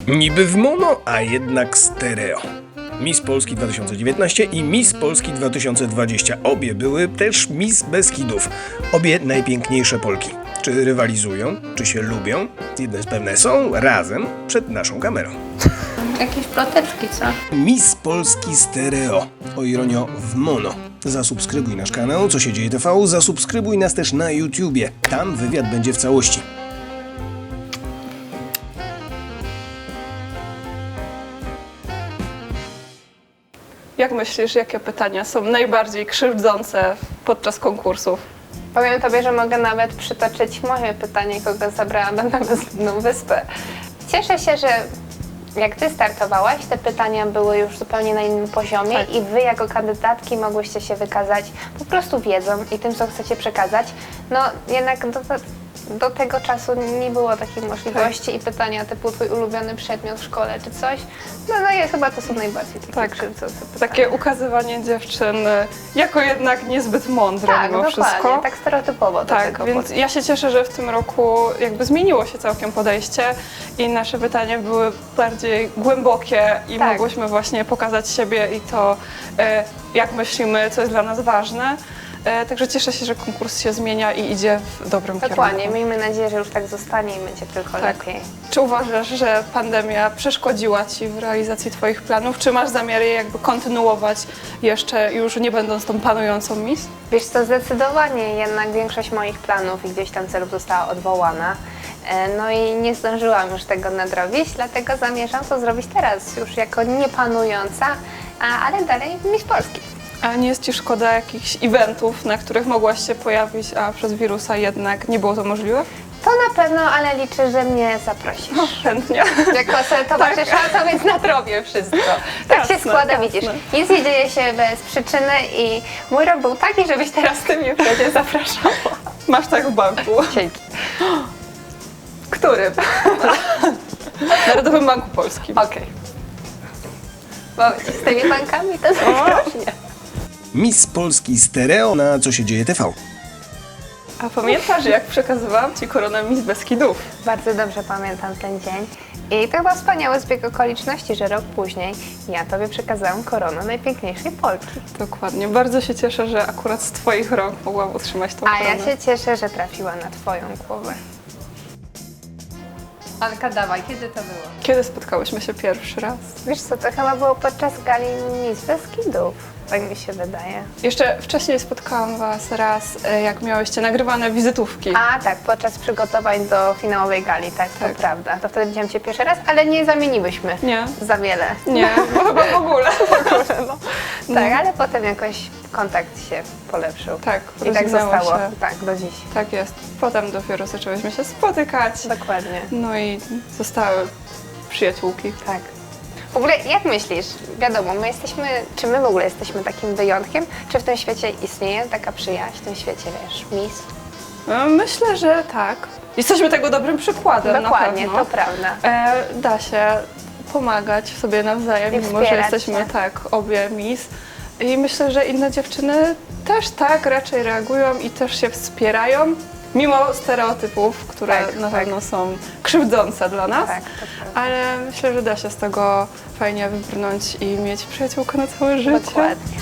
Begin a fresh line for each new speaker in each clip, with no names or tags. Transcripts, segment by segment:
Niby w mono, a jednak stereo. Miss Polski 2019 i Miss Polski 2020. Obie były też Miss Beskidów. Obie najpiękniejsze Polki. Czy rywalizują? Czy się lubią? Jedno jest pewne, są razem przed naszą kamerą.
Jakieś ploteczki, co?
Miss Polski stereo. O ironio w mono. Zasubskrybuj nasz kanał Co się dzieje TV, zasubskrybuj nas też na YouTubie. Tam wywiad będzie w całości.
Jak myślisz, jakie pytania są najbardziej krzywdzące podczas konkursów?
Powiem tobie, że mogę nawet przytoczyć moje pytanie, kogo zabrałam na bezludną wyspę. Cieszę się, że jak ty startowałaś, te pytania były już zupełnie na innym poziomie
Tak.
i wy jako kandydatki mogłyście się wykazać po prostu wiedzą i tym, co chcecie przekazać. No jednak do tego czasu nie było takiej możliwości i pytania typu twój ulubiony przedmiot w szkole czy coś. No jest chyba to są najbardziej takie krzywdzące pytania.
Takie ukazywanie dziewczyn jako jednak niezbyt mądre
Tak,
mimo
dokładnie,
wszystko.
tak stereotypowo do
Tak,
tego
więc
podchodzę.
ja się cieszę, że w tym roku jakby zmieniło się całkiem podejście i nasze pytania były bardziej głębokie i
Tak.
mogłyśmy właśnie pokazać siebie i to, jak myślimy, co jest dla nas ważne. Także cieszę się, że konkurs się zmienia i idzie w dobrym
Dokładnie,
kierunku.
miejmy nadzieję, że już tak zostanie i będzie tylko lepiej.
Czy uważasz, że pandemia przeszkodziła Ci w realizacji Twoich planów? Czy masz zamiar je jakby kontynuować jeszcze, już nie będąc tą panującą Miss?
Wiesz co, zdecydowanie jednak większość moich planów i gdzieś tam celów została odwołana. No i nie zdążyłam już tego nadrobić, dlatego zamierzam to zrobić teraz, już jako niepanująca, ale dalej Miss Polski.
A nie jest Ci szkoda jakichś eventów, na których mogłaś się pojawić, a przez wirusa jednak nie było to możliwe?
To na pewno, ale liczę, że mnie zaprosisz.
Chętnie.
Jako sobie towarzysząca, więc nadrobię wszystko. Tak się
Jasne,
składa,
jasne.
widzisz. Nic nie dzieje się bez przyczyny i mój rok był taki, żebyś teraz ty mnie wtedy zapraszała.
Masz tak w banku.
Dzięki.
Którym? Narodowym Banku Polskim.
Okej. Bo z tymi bankami to zagrożnie.
Miss Polski stereo na Co się dzieje TV.
A pamiętasz, jak przekazywałam Ci koronę Miss Beskidów?
Bardzo dobrze pamiętam ten dzień. I to chyba wspaniały zbieg okoliczności, że rok później ja tobie przekazałam koronę najpiękniejszej Polki.
Dokładnie. Bardzo się cieszę, że akurat z Twoich rąk mogłam otrzymać tą
A
koronę.
ja się cieszę, że trafiła na twoją głowę. Anka, dawaj, kiedy to było?
Kiedy spotkałyśmy się pierwszy raz?
Wiesz co, to chyba było podczas gali Miss Beskidów, tak mi się wydaje.
Jeszcze wcześniej spotkałam Was raz, jak miałyście nagrywane wizytówki.
A tak, podczas przygotowań do finałowej gali, tak,
Tak.
to prawda. To wtedy widziałam cię pierwszy raz, ale nie zamieniłyśmy
Nie.
za wiele.
Nie, bo chyba w ogóle.
Tak, ale potem jakoś kontakt się polepszył.
Tak,
I tak
rozwinęło
zostało,
się.
tak, do dziś.
Tak jest. Potem dopiero zaczęłyśmy się spotykać.
Dokładnie.
No i zostały przyjaciółki.
Tak. W ogóle jak myślisz, wiadomo, czy my w ogóle jesteśmy takim wyjątkiem? Czy w tym świecie istnieje taka przyjaźń, w tym świecie, wiesz, Miss?
No, myślę, że tak. Jesteśmy tego dobrym przykładem.
Dokładnie,
na pewno.
to prawda.
Da się pomagać sobie nawzajem,
I
mimo że
wspierać
jesteśmy
się.
tak obie Miss. I myślę, że inne dziewczyny też tak raczej reagują i też się wspierają, mimo stereotypów, które
Tak,
na
tak.
pewno są krzywdzące dla nas.
Tak, to prawda.
Ale myślę, że da się z tego fajnie wybrnąć i mieć przyjaciółkę na całe życie.
Dokładnie.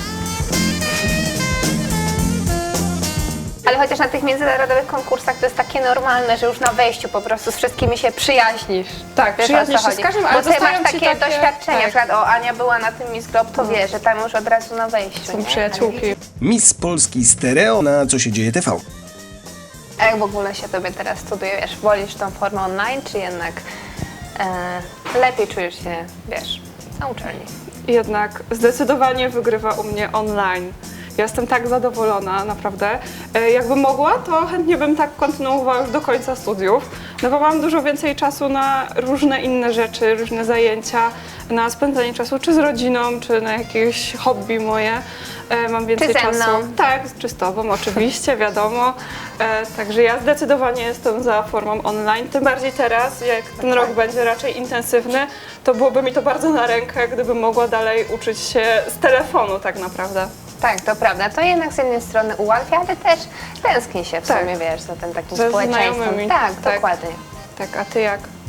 Ale chociaż na tych międzynarodowych konkursach to jest takie normalne, że już na wejściu po prostu z wszystkimi się przyjaźnisz.
Tak,
Wiesz, o
przyjaźnisz
co
się z
chodzi?
każdym,
Bo
ale
ty masz
dostają ci
takie doświadczenia,
tak.
na przykład Ania była na tym Miss Globe, to wie, że tam już od razu na wejściu.
Są
nie?
przyjaciółki.
Miss Polski stereo na Co się dzieje TV.
A jak w ogóle się tobie teraz studiuje, wiesz, wolisz tą formę online, czy jednak lepiej czujesz się, wiesz, na uczelni?
Jednak zdecydowanie wygrywa u mnie online. Ja jestem tak zadowolona, naprawdę. Jakbym mogła, to chętnie bym tak kontynuowała już do końca studiów, no bo mam dużo więcej czasu na różne inne rzeczy, różne zajęcia, na spędzanie czasu czy z rodziną, czy na jakieś hobby moje. Mam więcej
Czy ze
czasu.
mną?
Tak, czy z tobą oczywiście, wiadomo. Także ja zdecydowanie jestem za formą online, tym bardziej teraz, jak ten rok będzie raczej intensywny, to byłoby mi to bardzo na rękę, gdybym mogła dalej uczyć się z telefonu tak naprawdę.
Tak, to prawda. To jednak z jednej strony ułatwia, ale też tęskni się w
Tak.
sumie, wiesz, za tym takim
Ze
społeczeństwem.
znajomymi.
Tak,
Tak.
dokładnie.
Tak, a ty jak?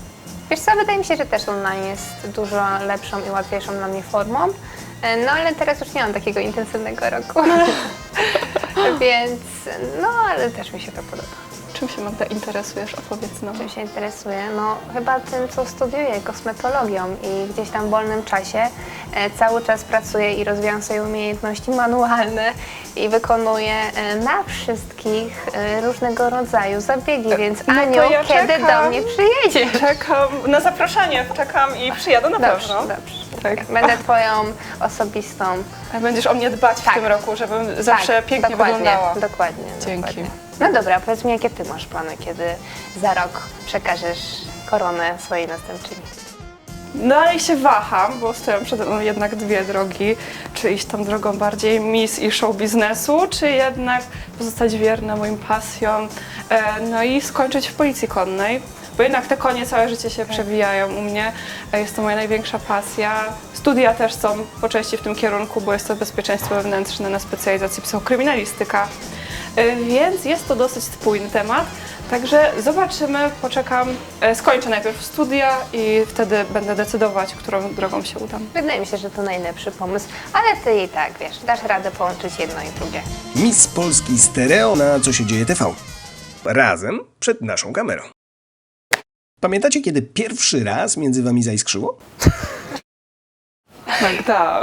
Wiesz co, wydaje mi się, że też online jest dużo lepszą i łatwiejszą dla mnie formą. No ale teraz już nie mam takiego intensywnego roku. Więc, no ale też mi się to podoba.
Czym się, Magda, interesujesz? Opowiedz nam.
Czym się interesuję? No chyba tym, co studiuję, kosmetologią i gdzieś tam w wolnym czasie cały czas pracuję i rozwijam swoje umiejętności manualne i wykonuję na wszystkich różnego rodzaju zabiegi, więc
No to
Aniu,
ja
kiedy
czekam.
do mnie przyjedziesz?
Czekam na zaproszenie, czekam i przyjadę na
Dobrze,
pewno.
dobrze.
Tak.
Będę twoją osobistą.
A będziesz o mnie dbać
Tak.
w tym roku, żebym zawsze pięknie
dokładnie,
wyglądała.
Dokładnie.
Dzięki.
Dokładnie. No dobra, powiedz mi, jakie ty masz plany, kiedy za rok przekażesz koronę swojej następczyni?
Dalej się waham, bo stoją przede mną jednak dwie drogi. Czy iść tą drogą bardziej miss i show biznesu, czy jednak pozostać wierna moim pasjom, no i skończyć w policji konnej. Bo jednak te konie całe życie się przewijają u mnie. Jest to moja największa pasja. Studia też są po części w tym kierunku, bo jest to bezpieczeństwo wewnętrzne na specjalizacji psychokryminalistyka. Więc jest to dosyć spójny temat. Także zobaczymy, poczekam, skończę najpierw studia i wtedy będę decydować, którą drogą się udam.
Wydaje mi się, że to najlepszy pomysł, ale ty i tak, wiesz, dasz radę połączyć jedno i drugie.
Miss Polski Stereo na Co się dzieje TV. Razem przed naszą kamerą. Pamiętacie, kiedy pierwszy raz między wami zaiskrzyło?
Magda.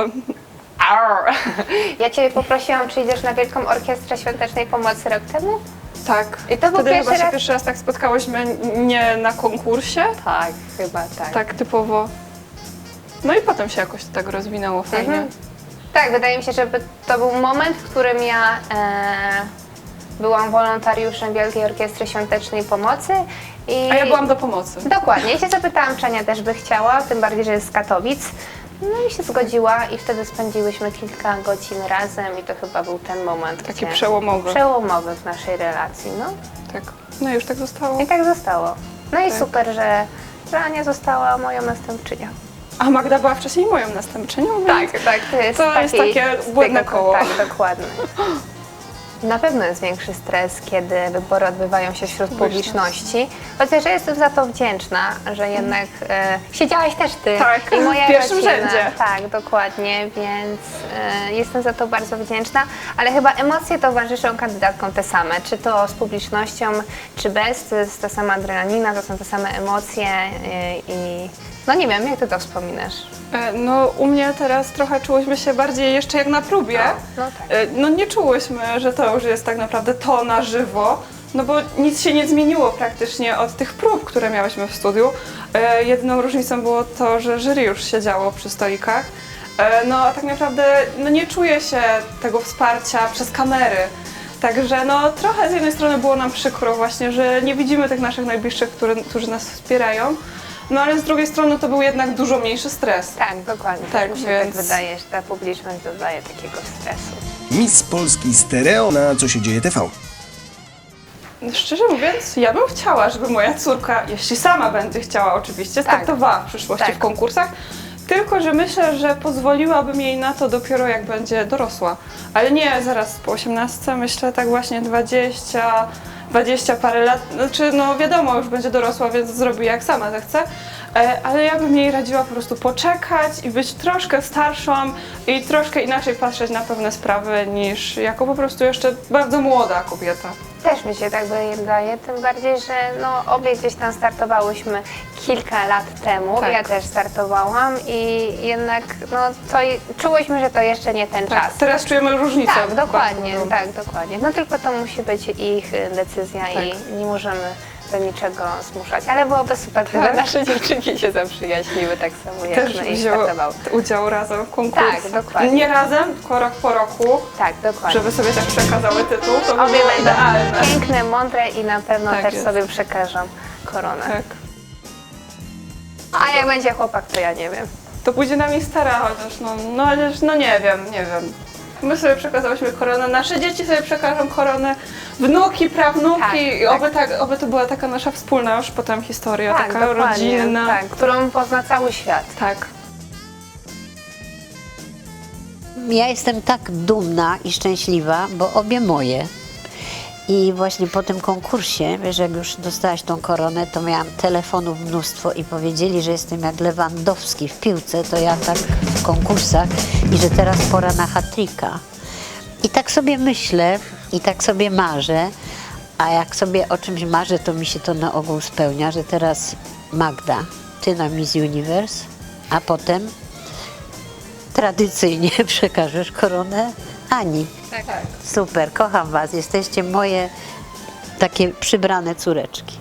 Ja ciebie poprosiłam, czy idziesz na Wielką Orkiestrę Świątecznej Pomocy rok temu?
Tak.
I to był
Wtedy
pierwszy
chyba się
raz?
pierwszy raz tak spotkałyśmy nie na konkursie,
Tak, chyba tak.
tak typowo. No i potem się jakoś to tak rozwinęło fajnie.
Mhm. Tak, wydaje mi się, że to był moment, w którym ja byłam wolontariuszem Wielkiej Orkiestry Świątecznej Pomocy. I
A ja byłam do pomocy.
Dokładnie. Ja się zapytałam, czy Ania też by chciała, tym bardziej, że jest z Katowic. No i się zgodziła i wtedy spędziłyśmy kilka godzin razem i to chyba był ten moment,
Taki
gdzie...
przełomowy.
Przełomowy w naszej relacji, no.
Tak. No i już tak zostało.
I tak zostało. No i
Tak.
super, że Ania została moją następczynią.
A Magda była wcześniej moją następczynią, więc
tak, to jest
To jest
taki
takie
styk,
błędne koło.
Tak, dokładnie. Na pewno jest większy stres, kiedy wybory odbywają się wśród publiczności. Chociaż ja jestem za to wdzięczna, że jednak siedziałaś też ty
Tak,
i moja
w pierwszym
rodzina.
rzędzie.
Tak, dokładnie, więc jestem za to bardzo wdzięczna, ale chyba emocje towarzyszą kandydatkom te same, czy to z publicznością, czy bez, to jest ta sama adrenalina, to są te same emocje i no nie wiem, jak ty to wspominasz?
No u mnie teraz trochę czułyśmy się bardziej jeszcze jak na próbie.
No tak.
No nie czułyśmy, że to już jest tak naprawdę to na żywo, no bo nic się nie zmieniło praktycznie od tych prób, które miałyśmy w studiu. Jedyną różnicą było to, że jury już siedziało przy stolikach. No a tak naprawdę no, nie czuję się tego wsparcia przez kamery. Także no trochę z jednej strony było nam przykro właśnie, że nie widzimy tych naszych najbliższych, którzy nas wspierają. No ale z drugiej strony to był jednak dużo mniejszy stres.
Tak, dokładnie.
Tak,
Mi się
więc-
tak wydaje, że ta publiczność dodaje takiego stresu.
Miss Polski Stereo na Co się dzieje TV.
Szczerze mówiąc, ja bym chciała, żeby moja córka, jeśli sama będzie chciała oczywiście, startowała w przyszłości
Tak.
w konkursach, tylko że myślę, że pozwoliłabym jej na to dopiero jak będzie dorosła. Ale nie zaraz po 18, myślę tak właśnie 20 parę lat, znaczy no wiadomo, już będzie dorosła, więc zrobi jak sama zechce, ale ja bym jej radziła po prostu poczekać i być troszkę starszą i troszkę inaczej patrzeć na pewne sprawy niż jako po prostu jeszcze bardzo młoda kobieta.
Też mi się tak wydaje, tym bardziej, że no, obie gdzieś tam startowałyśmy kilka lat temu.
Tak.
Ja też startowałam i jednak no, czułyśmy, że to jeszcze nie ten
Tak,
czas.
teraz czujemy różnicę.
Tak, dokładnie,
bardzo.
tak, dokładnie. No tylko to musi być ich decyzja
Tak.
i nie możemy do niczego zmuszać. Ale byłoby super, gdyby
Tak.
nasze dziewczynki się zaprzyjaźniły tak samo jak
Też
my i
wzięło
startowały.
udział razem w konkursie.
Tak, dokładnie.
Nie razem, tylko rok po roku,
Tak, dokładnie.
żeby sobie tak przekazały tytuł, to by
Obie
było
będą
idealne.
piękne, mądre i na pewno
Tak
też
jest.
sobie przekażą koronę.
Tak.
A jak będzie chłopak, to ja nie wiem.
To pójdzie na mistera, chociaż no nie wiem. My sobie przekazałyśmy koronę, nasze dzieci sobie przekażą koronę, wnuki, prawnuki
Tak,
i oby to była taka nasza wspólna już potem historia, taka rodzinna.
tak, którą pozna cały świat.
Tak.
Ja jestem tak dumna i szczęśliwa, bo obie moje. I właśnie po tym konkursie, wiesz, jak już dostałaś tą koronę, to miałam telefonów mnóstwo i powiedzieli, że jestem jak Lewandowski w piłce, to ja tak w konkursach i że teraz pora na hat-tricka. I tak sobie myślę i tak sobie marzę, a jak sobie o czymś marzę, to mi się to na ogół spełnia, że teraz Magda, ty na Miss Universe, a potem tradycyjnie przekażesz koronę Ani.
Tak.
Super, kocham was, jesteście moje takie przybrane córeczki.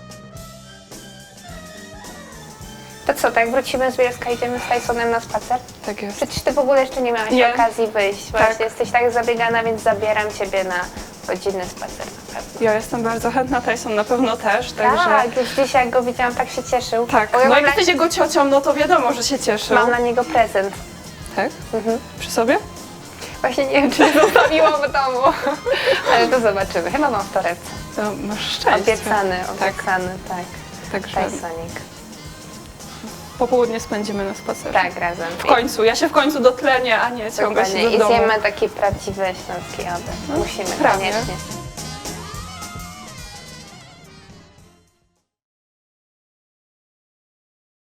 To co, tak wrócimy z Bielska, idziemy z Tysonem na spacer?
Tak jest.
Przecież ty w ogóle jeszcze nie miałaś
Nie.
okazji wyjść.
Tak.
Właśnie jesteś tak zabiegana, więc zabieram ciebie na godzinny spacer na pewno.
Ja jestem bardzo chętna, Tyson na pewno też, także...
Tak, już dzisiaj jak go widziałam, tak się cieszył.
Tak,
Bo ja
no
mam,
jak jesteś jego ciocią, no to wiadomo, że się cieszy.
mam dla niego prezent.
Tak? Przy sobie?
Właśnie nie wiem, czy zostawiłam w domu, ale to zobaczymy. Chyba mam w torebce.
To masz szczęście.
Obiecany,
Tak,
tak.
także
Tysonik.
popołudnie spędzimy na spacerze.
Tak, razem.
W końcu, ja się w końcu dotlenię, a nie ciągać się
Dokładnie.
do
I
domu.
zjemy taki prawdziwy śląski obiad. Musimy
prawie.
koniecznie.